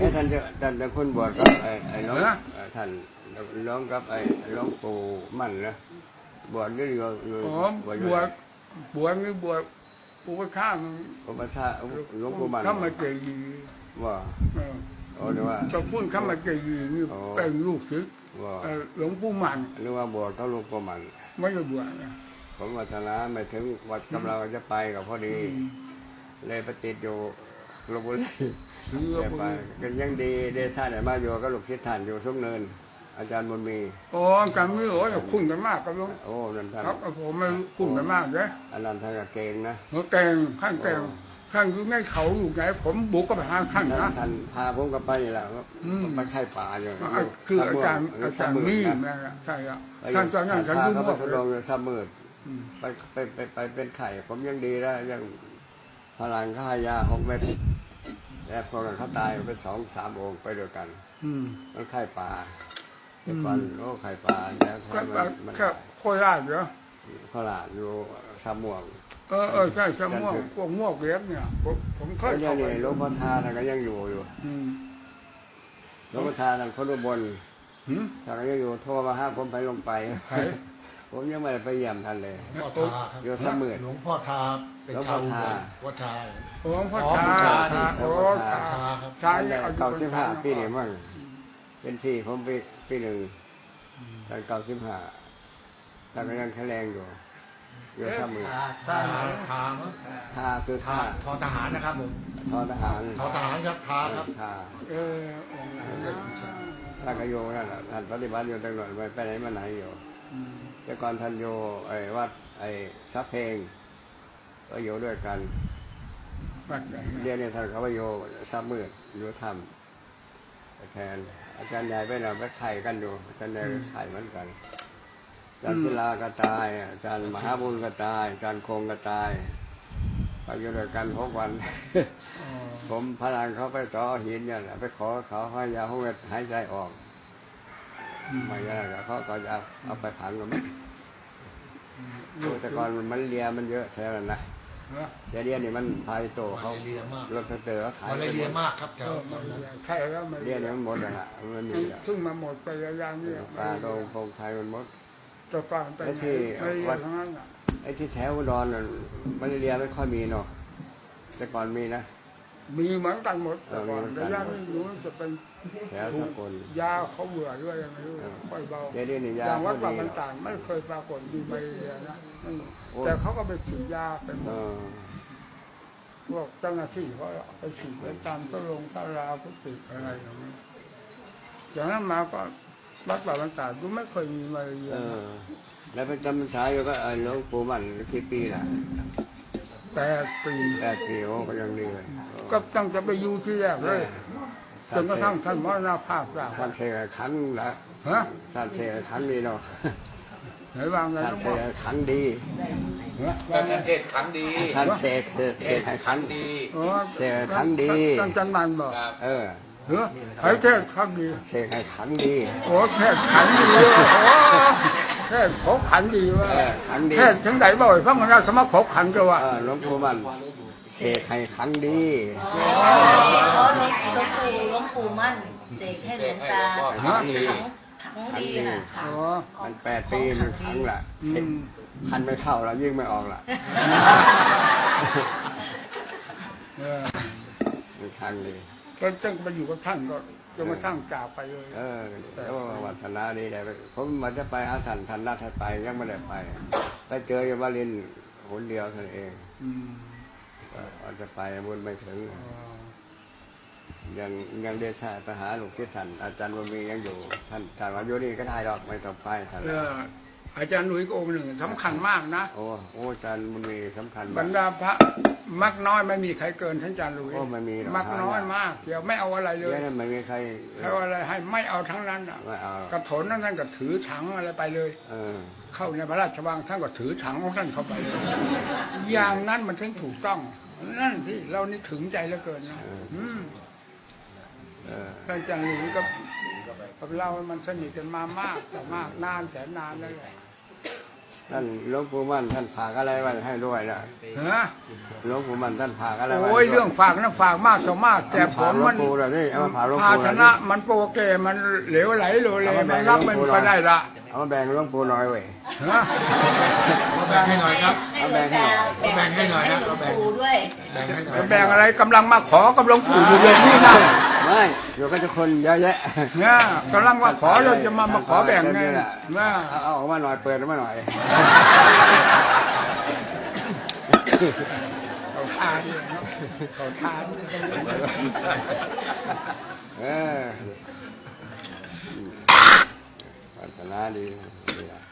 พูดท่านจะคุณบวชกับไอ้น้องท่านน้องกับไอ้น้องปู่มั่นนะบวชนี่อยู่บวชนี่บวชอุปชาอุปชาหลวงปู่มั่นข้ามาเจยีว่าหรือว่าจะพูดข้ามาเจยีนี่เป็นลูกศิษย์หลวงปู่มั่นหรือว่าบวชเขาหลวงปู่มั่นไม่ได้บวชนะผมวัฒนาไม่ถึงวัดกำลังจะไปกับพอดีเลยไปติดอยู่ลพบุรีไปก็ยังดีได้ท่านไหนมาอยู่ก็ลูกศิษย์ท่านอยู่ซุ้มเนินอาจารย์บุญมีอ๋อการไม่รู้ว่าคุ้นกันมากครับลุงโอ้นั่นท่านครับผมไม่คุ้นกันมากเลยอันนั้นท่านเก่งนะเก่งข้างเก่งข้างอยู่ในเขาอยู่ไหนผมบุกก็ไปหาข้างนะท่านพาผมกับไปนี่แหละไปไข่ป่าอยู่คืออาจารย์นี่นะใช่ครับท่านจะนั่งฉันรู้ว่าทดลองเลยซ้ำมืดไปเป็นไข่ผมยังดีแล้วยังพลังค่ายา6 เม็ดแต่พอกันเขาตายไป2-3 องค์ไปด้วยกันมันไข่ป่าเป็นฟันโอ้ไข่ป่าแล้วมันโคราชเหรอโคราชอยู่สามม่วงใช่สามม่วงพวกม่วงเล็กเนี่ยผมเคยเข้าไปหลวงพ่อทาท่านก็ยังอยู่หลวงพ่อทาท่านคนอุบลท่านก็ยังอยู่โทรมาห้าผมไปลงไปผมยังไม่ได้ไปเยี่ยมท่านเลยอยู่สามหมื่นหลวงพ่อทาเป็นชาววัดชาหลวงพ่อทาหลวงพ่อทาชาเนี่ย95 ปีนี่มั่งเป็นที่ผมปี1ท่าน95ท่านก็ยังแข็งแรงอยู่สามหมื่นทาคือทอทหารนะครับผมทอทหารครับทาครับท่านก็โยนั่นแหละท่านปฏิบัติอยู่ตลอดไปไหนมาไหนอยู่แต่ก่อนท่านโยวัดซับเพลงก็โยด้วยกันเรียนเนี่ยท่านเขาว่าโยซับมืดโยธรรมแทนอาจารย์ใหญ่ไปหน่อยไปไข่กันอยู่อาจารย์ใหญ่ไข่เหมือนกันอาจารย์ศิลาก็ตายอาจารย์มหาบุญก็ตายอาจารย์คงก็ตายไปอยู่ด้วยกัน6 วันผมพลังเขาไปต่อหินเนี่ยไปขอเขาให้ยาห้องหายใจออกไม่ได้เขาก็จะเอาไปผังกันแต่ก่อนมันเลียมันเยอะแค่นั้นนะเดี๋ยวนี่มันพายโตเขารถเตอร์เขาขายเลียมากครับใช่แล้วเดี๋ยวนี้มันหมดแล้วมันมีเพิ่งมาหมดไปอย่างนี้ปลาโดงคงไทยมันหมดจะฟังไอ้ที่วัดไอ้ที่แถวอุดรมันเลียไม่ค่อยมีเนาะแต่ก่อนมีนะมีเหมือนกันหมดแต่ก่อนแต่ยาไม่รู้จะเป็นแถวสกลยาเขาเบื่อด้วยยังไงค่อยเบาอย่างวัดป่ามันต่างไม่เคยปรากฏมีใบเรียนะแต่เขาก็ไปฉีดยาเป็นพวกเจ้าหน้าที่เขาไปฉีดไปตามตลาพุทธิอะไรอย่างนี้อย่างนั้นมาก็วัดป่ามันต่างก็ไม่เคยมีใบเรียแล้วไปจำพรรษาอยู่ก็หลวงปู่มั่นกี่ปีล่ะ 8 ปีโอ้ก็ยังดีเลยก็ตั้งจะไปอยู่ที่แรกเลยจนกระทั่งท่านมรณภาพแล้วท่านเสกขันละท่านเสกขันดีเนาะไหนวางไงท่านเสกขันดีท่านเทศขันดีท่านเสกขันดีเสกขันดีท่านจันมันบอกใครเทศขันดีเสกขันดีโอ้เทศขันดีเทศขบขันดีว่าเทศถึงไหนบ่อยพระมันสมัครขบขันก็ว่าหลวงปู่มันเสกให้ขันดีหลวงปู่มั่นเสกให้หลวงตาขังดีค่ะมัน8 ปีมันขังละขันไม่เข้าแล้วยิ่งไม่ออกละมันขังดีก็จึงไปอยู่กับท่านก็จนมาตั้งจากไปเลยแล้ววัฒนาดีได้ผมมันจะไปหาท่านนัดให้ไปยังไม่ได้ไปเจออยู่วารินหนเดียวเท่านั้นเองจะไปบุญไม่ถึงยังได้ท่าไปหาหลวงพี่ท่านอาจารย์บุญมียังอยู่ท่านว่าอยู่นี่ก็ได้หรอกไม่ต้องไปท่านอาจารย์หนุ่ยก็องค์หนึ่งสำคัญมากนะโอ้อาจารย์บุญมีสำคัญบรรดาพระมักน้อยไม่มีใครเกินท่านอาจารย์หนุ่ยไม่มีมักน้อยมากเดี๋ยวไม่เอาอะไรเลยไม่มีใครอะไรให้ไม่เอาทั้งนั้นกระโถนนั่นก็ถือถังอะไรไปเลยเข้าในพระราชวังท่านก็ถือถังของท่านเข้าไปเลยอย่างนั้นมันถึงถูกต้องนั่นที่เรานี่ถึงใจเหลือเกินนะท่านอาจารย์หนุ่ยกับเรามันสนิทกันมามากแต่มากนานแสนนานแล้วแหละท่านหลวงปู่มั่นท่านฝากอะไรไว้ให้ด้วยนะฮะหลวงปู่มั่นท่านฝากอะไรไว้โอ้ยเรื่องฝากนั้นฝากมากสมากแต่ผฝากมหลวมังนปู่เลยนี่เอามาฝากหลวงภาปู่ชเลยนะมันโปรเกมันเหลวไหลเลยมันรับมันก็ได้ละเอามาแบ่งหลวงปู่หน่อยเว้ยฮะมาแบ่งให้หน่อยครับเอาแบ่งให้หน่อยแบ่งให้หน่อยนะเราแบ่งปู่ด้วยแบ่งให้หน่อยแบ่งอะไรกำลังมาขอกำลังปู่อยู่เดี๋ยวนี้นะไม่เดี๋ยวก็จะคนเยอะแยะเนี่ยกำลังมาขอเราจะมาขอแบ่งไงนะเอาออกมาหน่อยเปิดออกมาหน่อยเขาทานเขาทานเออวาสนาดีดีละ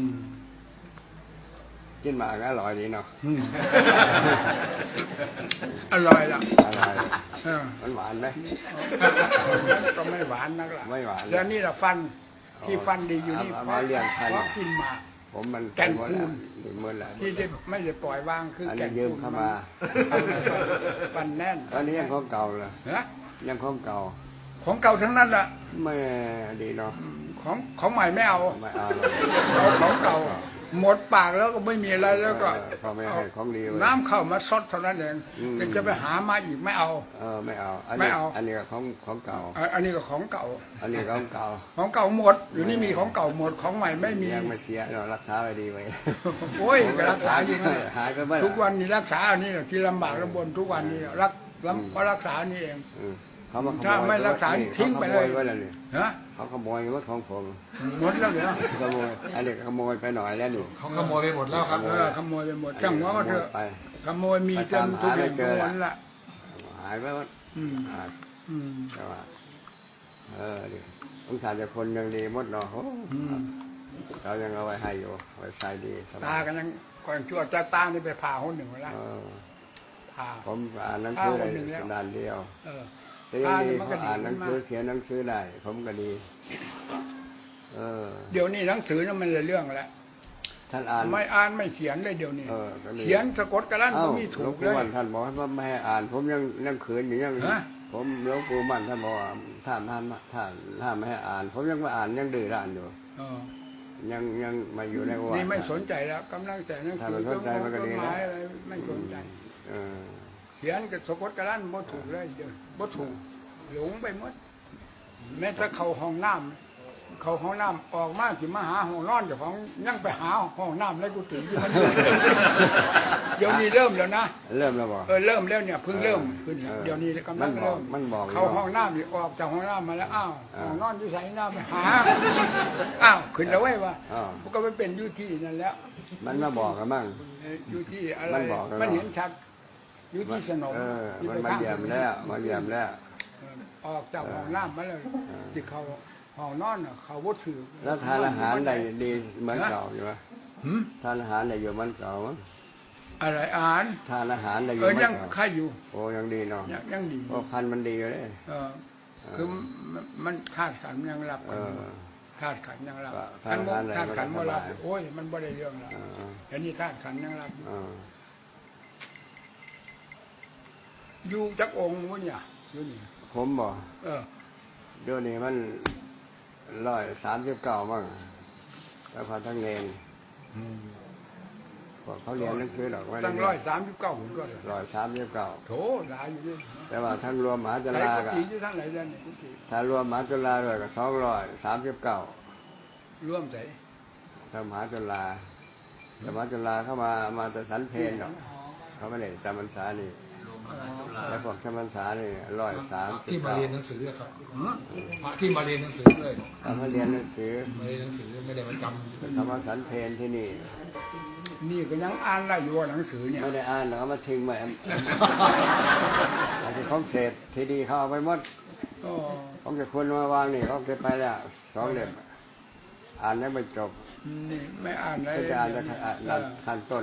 กินหมากก็อร่อยดีเนาะอร่อยละอร่อยเออมันหวานไหมก็ไม่หวานนักละไม่หวานแล้วนี่ละฟันที่ฟันดีอยู่นี่เอาเพมาเลี้ยงพันราะกินหมากผมมันแก่นหมดแล้วคูณหมดแล้วที่ไม่ได้ปล่อยวางคืออันแก่นี้นยืมเข้ามาฟันแน่นตอนนี้ยังของเก่าเลยนะยังของเก่าของเก่าทั้งนั้นละไม่ดีเนาะของใหม่ไม่เอาไม่เอาหรอกเอาของเก่า หมดปากแล้วก็ไม่มีอะไรแล้วก็เขาไม่ให้ของดีไว้น้ำเข้ามาซดเท่านั้นเองอืมจะไปหามาอีกไม่เอาไม่เอาไม่เอาอันนี้ก็ของเก่าอันนี้ก็ของเก่าอันนี้ของเก่าของเก่าหมด อยู่นี่มีของเก่าหมดของใหม่ไม่มียังไม่เสียเรารักษาไว้ดีไว้โอ้ยก็รักษาอยู่นั่นหายไปเมื่อทุกวันนี้รักษาอันนี้ที่ลำบากลำบนทุกวันนี้เพราะรักษานี่เองเขามาขโมยถ้าไม่รักษานี่ทิ้งไปเลยขาขโมไว้แล้วนี่ฮะเขาขโมยรถของผมหมดแล้วเหรอขโมยอันนี้ขโมยไปหน่อยแล้วนี่เขาขโมยไปหมดแล้วครับขโมยไปหมดจังว่าเถอะไปขโมยมีจนทุกอย่างทุกวันละหายไปหมดอืมหายอืมแต่ว่าดิสงสารจะคนยังดีหมดเนาะโอ้อืมเรายังเอาไว้ให้อยู่ไว้ใส่ดีสบาตาย กันยังก่อนชั่วจะตานี่ไปผ่าคนหนึ่งมาแล้ว ผ่าผมอ่านหนังสือได้คนหนึ่งแล้วสัปดาห์เดียวเออแต่ยังดีอ่านมันก็เขาอ่านดีหนังสือมากเขียนหนังสือได้ ผมก็ดีเดี๋ยวนี้หนังสือนั้นมันเลยเรื่องแล้วท่านอ่านไม่อ่านไม่เขียนเลยเดี๋ยวนี้ก็ดีเขียนสะกดกระลั่นเอ้าก็มีหลถูวงกเลปู่ยมั่นท่านบอกว่าไม่ให้อ่าน ผมยังขืนอยู่ยังฮะผมหลวงปู่มั่นท่านบอกว่าท่านไม่ให้อ่าน ผมยังมาอ่านยังดื้อด้านอยู่เออยังมาอยู่ในวัดนี่ไม่สนใจแล้วกำลังแต่หนังสืถ้ามันสนใจมันก็ดีนะต้ไม้อะไรไม่สนใจเออเขียนกับสะกดกระลั่นบ่ถูกเลยเดี๋ยวบ่ถูกหลงไปหมดแม้แต่เข้าห้องน้ำเข้าห้องน้ำออกมาสิมาหาห้องนอนเจ้าของยังไปหาห้องน้ำแล้วกูตื่นอยู่มันเดี๋ยวนี้เริ่มแล้วนะเริ่มแล้วบอกเริ่มแล้วเนี่ยเพิ่งเริ่มขึ้นเดี๋ยวนี้กำลังเริ่มมันบอกเข้าห้องน้ำนี่ออกจากห้องน้ำมาแล้วอ้าวห้องนอนอยู่ใส่น้ำไปหาอ้าวขึ้นแล้วเว้ยว่ามันก็ไม่เป็นอยู่ที่นั่นแล้วมันมาบอกกันมั่งอยู่ที่อะไรมันบอกแล้วมันเห็นชัดอยู่ที่สนมมันมาเยี่ยมแล้วมาเยี่ยมแล้วออกจากห้องน้ำมาเลยที่เขาห้องนอนน่ะเขาบ่ถือแล้วทานอาหารได้ดีเหมือนเก่าอยู่ไหมหืมทานอาหารได้อยู่เหมือนเก่ามั้งอะไรอ่านทานอาหารได้อยู่เหมือนยังเก่าค่ายอยู่โอ้ยังดีเนาะยังดีโอ้พันธุ์มันดีอยู่เลยคือมันคาดขันยังรับกันอยู่คาดขันยังรับทานอาหารอะไรคาดขันมันก็ว่ารับสบายโอ้ยมันบ่ได้เรื่องแล้วอันนี้คาดขันยังรับอยู่จักองค์วะเนี่ยอยู่นี่ผมบอกเดี๋ยวนี้มัน139มั่งแล้วพอทั้งเนรบอกเขาเรียนหนังสือหรอกไม่ได้ตั้ง139หุ่นก็เลย 139 โถหลายอยู่ด้วยแต่ว่าทั้งรวมมหาจุไหนฬากุก็ฏิอยู่ทั้งไหนเดือนนี่กุฏิถ้ารวมมหาจุฬาด้วยก็239 ร่วมใส่ถ้ามหาจุฬาแต่มหาจุฬาเข้ามาแต่สันเพนหรอกเขาไม่ได้จำพรรษานี่แล้วพวกจำพรรษานี่ที่มาเรียนหนังสือครับพระที่มาเรียนหนังสือเลยเขามาเรียนหนังสือมาเรียนหนังสือไม่ได้มาจเขามาสันเพนที่นี่นี่ก็ยังอ่านได้อยู่ว่าหนังสือเนี่ยไม่ได้อ่านหรอกเขามาทิ้งไว้อาจจะของเศษทีดีเขาเอาไปหมดอ๋อของจะคนมาวางนี่เขาเก็บไปแล้ว2 เล่มอ่านยังไม่จบนี่ไม่อ่านเลยก็จะอ่านจะขั้นต้น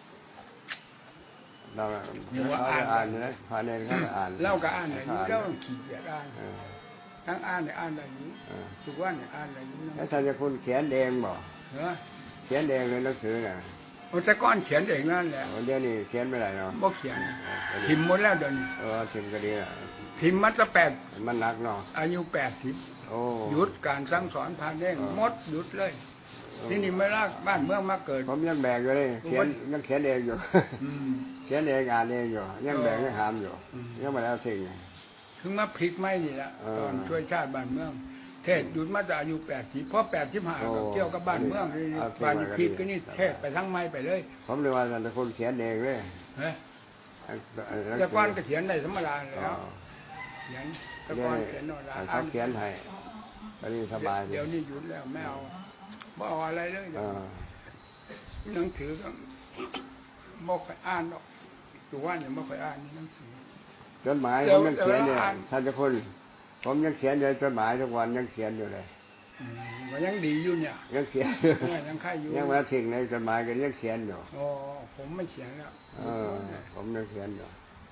เราเขาจะอ่านนะพาเนรเขาจะอ่านเล่าก็อ่านได้อยู่แล้วขี้เกียจอ่านทั้งอ่านเนี่ยอ่านได้อยู่ทุกวันเนี่ยอ่านได้อยู่แล้วท่านจะคุณเขียนเองบ่เหรอเขียนเองเลยหนังสือน่ะแต่ก่อนเขียนเองนั่นแหละเดี๋ยวนี้เขียนไม่ได้เนาะบ่เขียนพิมพ์หมดแล้วเดี๋ยวนี้ทิมก็ดีอ่ะพิมพ์มาตั้งมันหนักเนาะอายุ80 โอ้หยุดการสั่งสอนพาเด้งหมดหยุดเลยที่นี่ไม่รักบ้านเมืองมาเกิดผมยังแบกอยู่เลยเขียนยังเขียนเองอยู่อืมเขียนเองอ่านเองอยู่ยังแบกยังหามอยู่อืมยังไม่แล้วสิ่งถึงมาพลิกไม่นี่แหละเออตอนช่วยชาติบ้านเมือง เทศหยุดมาจากอายุ80เพราะ85 โอ้ก็เกี่ยวกับบ้านเมืองนี่เอาบ้านทิ้งไว้พลิกก็ก็ดีนี่เทศไปทั้งไม้ไปเลยผมเลยว่าแต่คนเขียนเองเลยเฮ้ยแต่ก่อนก็เขียนได้ธรรมดาแล้ว เขียนแต่ก่อนเขียนโนราเขาเขียนให้ตอนนี้สบายดีเดี๋ยวนี้หยุดแล้วไม่เอาไม่เอาอะไรเลยเออหนังสือก็ไม่ค่อยอ่านหรอกอยู่ว่าเนี่ยไม่ค่อยอ่านหนังสือจดหมายเดี๋ผยวมยังเขียนเนี่ยเดี๋ยวอ่านท่านเจ้าคุณผมยังเขียนอยู่จดหมายทุกวันยังเขียนอยู่เลยมันยังดีอยู่เนี่ยยังเขียนยังค่ายอยู่ยังมาทิ้งในจดหมายก็ยังเขียนอยู่โอ้ผมไม่เขียนแล้วผมยังเขียนอยู่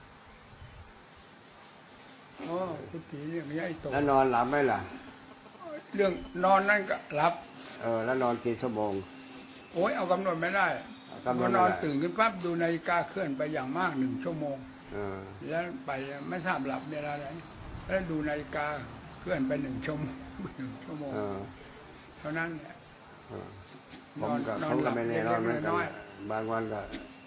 โอ้คุณตีเรื่องนี้ไอ้โตแล้วนอนหลับไหมล่ะเรื่องนอนนั่นก็รับแล้วนอนกี่ชั่วโมงโอ้ยเอากำหนดไม่ได้กำหนดไม่ได้นอนตื่นขึ้นปั๊บดูนาฬิกาเคลื่อนไปอย่างมาก1 ชั่วโมงเออแล้วไปไม่ทราบหลับเวลาไหนแล้วดูนาฬิกาเคลื่อนไป1 ชั่วโมง1 ชั่วโมงเออเท่านั้นเนี่ยผมก็นอนผมหลัก็บไม่แน่นอนเหมือนกันน้อยบางวันก็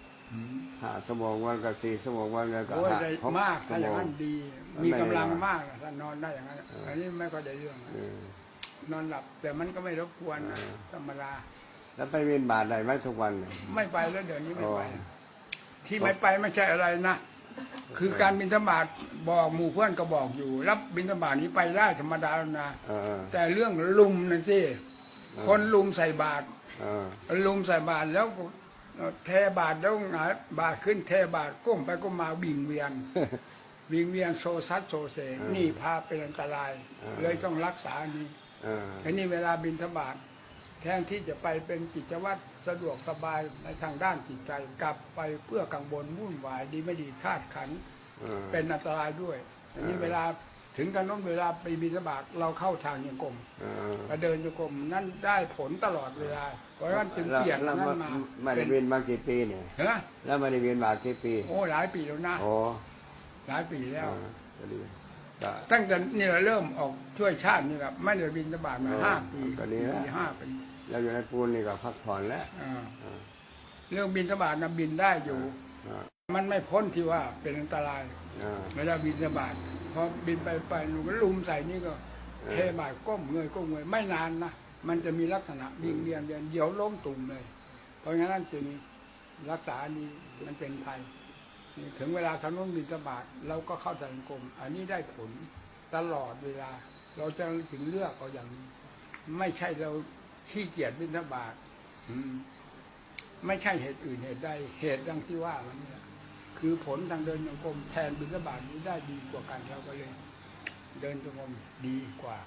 5 ชั่วโมงวันก็4 ชั่วโมงวันก็โอ้ยได้ 6 มากชั่ถ้าว อย่างโมงนั้นดี มีกำลังมากถ้านอนได้อย่างนั้นอันนี้ไม่ก็ได้เรื่องนะเออนอนหลับ แต่มันก็ไม่รบกวนนะธรรมดาแล้วไปเวียนบาทได้ไหมทุกวันเนี่ยไม่ไปแล้วเดี๋ยวนี้ไม่ไปอ๋อที่ไม่ไปไม่ใช่อะไรนะคือการบิณฑบาตบอกหมู่เพื่อนก็บอกอยู่ รับบิณฑบาตนี้ไปได้ธรรมดาแล้วนะเออแต่เรื่องลุมนั่นสิคนลุมใส่บาตรเออลุมใส่บาตรแล้วก็เทบาตรแล้วหงายบาตรขึ้นเทบาตรก้มไปก้มมาวิ่งเวียน วิ่งเวียนโซซัดโซเซนี่พาเป็นอันตราย เลยต้องรักษานี้เออทีนี้เวลาบิณฑบาตแทนที่จะไปเป็นกิจวัตรสะดวกสบายในทางด้านจิตใจกลับไปเพื่อกังวลวุ่นวายดีไม่ดีธาตุขันธ์เออเป็นอันตรายด้วยทีนี้เวลาถึงกันน้นเวลาไปบิณฑบาตเราเข้าทางยังกรมเออมาเดินยังกรมนั่นได้ผลตลอดเวลาเพราะฉะนั้นจึงเปลี่ยนแล้วนั้นมาไม่ได้เวียนมากี่ปีเนี่ยเฮ้ยแล้วไม่ได้เวียนบาทกี่ปีโอ้หลายปีแล้วนะโอ้หลายปีแล้วก็ดีก็ตั้งแต่นี่เราเริ่มออกช่วยชาตินี่ครับไม่ได้บิณฑบาตมา 5 ปีก็ดีแล้วปี5 ปีแล้วอยู่ในปูนนี่ก็พักผ่อนแล้วเรื่องบิณฑบาตนะบินได้อยู่อ่ามันไม่พ้นที่ว่าเป็นอันตรายอ่าเวลาบินบาตพอบินไปลุมลุมใส่นี่ก็เออเทบาตก้มเงยก้มเงยไม่นานนะมันจะมีลักษณะวิ่งเวียนเดี๋ยวล้มตุ่มเลย เพราะงั้นจึงรักษานี้มันเป็นภัยนี่ถึงเวลาทำนุ่นบินบาตเราก็เข้าสังคมอันนี้ได้ผลตลอดเวลา เราจะถึงเลือกเอาอย่างนี้ไม่ใช่เราขี้เกียจบินบาตไม่ใช่เหตุอื่นเหตุใดเหตุดังที่ว่ามันเนี่ยคือผลทางเดินจงกรมแทนบิณฑบาตนี้ได้ดีกว่ากันเราก็เลย เดินจงกรมดีกว่า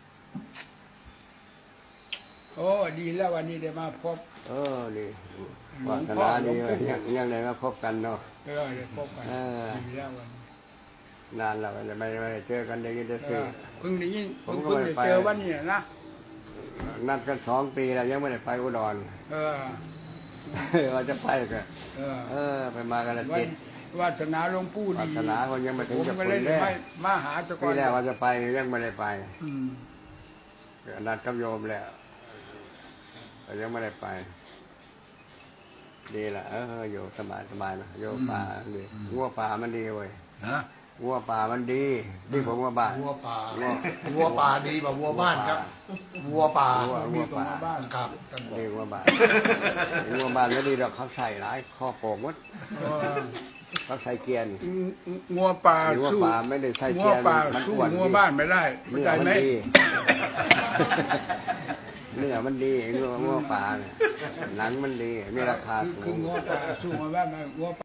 โอ้ดีแล้ววันนี้ได้มาพบดีหลววาง สพ่อนาดีหลวงปู่ยังได้มาพบกันเนาะได้พบกันเออดีแล้ววันนี้นานแล้วไม่ได้เจอกันได้ยินแต่เอสื่ออเพิ่งได้ยินผมก็เพิ่งไม่ได้ไปเจอวันนี้นะนัดกัน2 ปีแล้วยังไม่ได้ไปอุดรเออเราจะไปก็เออไปมากันละวัจินตวาสนาหลวงปู่วาดีสนาคนยังไม่ถึงผมจะก็คุเลย ยแน่ไม่มาหาเจ้าก่อปีนแรกว่าจะไปยังไม่ได้ไปอืมนัดกับโยมแล้วแต่ยังไม่ได้ไป ดีละอยู่สบายนะโยมป่าดีงัวป่ามันดีเว้ยฮะงัวป่ามันดีดีกว่างัวบ้านวัวป่าวัววัวป่าดีกว่าวัวบ้านครับ วัวป่าวัวป่าบ้านครับท่านบอกดีกว่าบ้านงัวบ้านไม่ดีหรอกเขาใส่หลายข้อโป่งวัดเออเขาใส่เกียร์งัวป่างัวสู้ป่าไม่ได้ใส่งัเกีวยร์ป่ามันสู้อ้วนงัวบ้านไม่ได้เข้าเนื้ใจอมัไหมดีเนื้อมันดีงัวป่าเนี่ยหนังมันดีมีราคาสูคือง งัวป่าสู้งัวบ้านไม่งัว